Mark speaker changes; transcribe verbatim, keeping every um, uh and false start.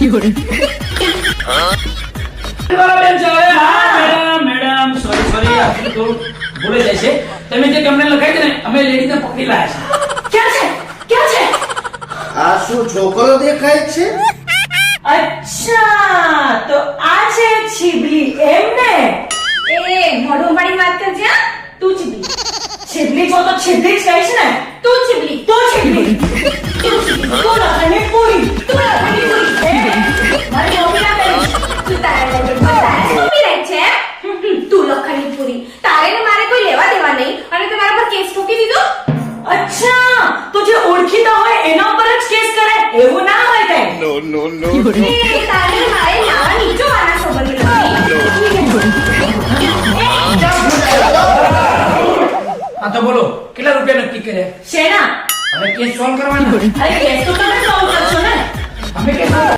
Speaker 1: Madam sorry sorry આપણે તો ભૂલે જાય છે. તમે જે કમ્પ્લેન લખાઈ છે ને અમે લેડીને પકડી લાયા છે.
Speaker 2: ક્યાં છે ક્યાં છે?
Speaker 3: આ શું છોકરો દેખાય છે?
Speaker 2: અચ્છા તો આ છે છીબલી એમ ને?
Speaker 4: એ મોઢું પાડી વાત કરજે હા? તું ચીબલી
Speaker 2: છીબલી જો તો છીબલી જ કહીશ ને.
Speaker 4: તું ચીબલી
Speaker 2: તો છીબલી તું છીબલી તો લખણી પૂરી
Speaker 4: તું લખણી પૂરી
Speaker 2: મારી મમ્મી ના કહીશ.
Speaker 4: તું તારે તારે મમ્મી રહી છે તું લખણી પૂરી તારે ને મારે કોઈ લેવા દેવા નહીં અને તમારા પર કેસ ઠોકી દીધો.
Speaker 2: અચ્છા તો જે ઓળખીતા હોય એના પર જ કેસ કરે એવું ના હોય કઈ.
Speaker 3: નો નો નો
Speaker 4: એ તારે ને મારે નાવા નીચો આના સંબંધ નથી.
Speaker 1: હા તો બોલો કેટલા રૂપિયા નક્કી કર્યા?
Speaker 2: શેના?
Speaker 1: હવે કેસ સોલ્વ કરવાનો.
Speaker 2: અરે કેસ તો તમે સોલ્વ કરશો ને.
Speaker 1: અમે કેસ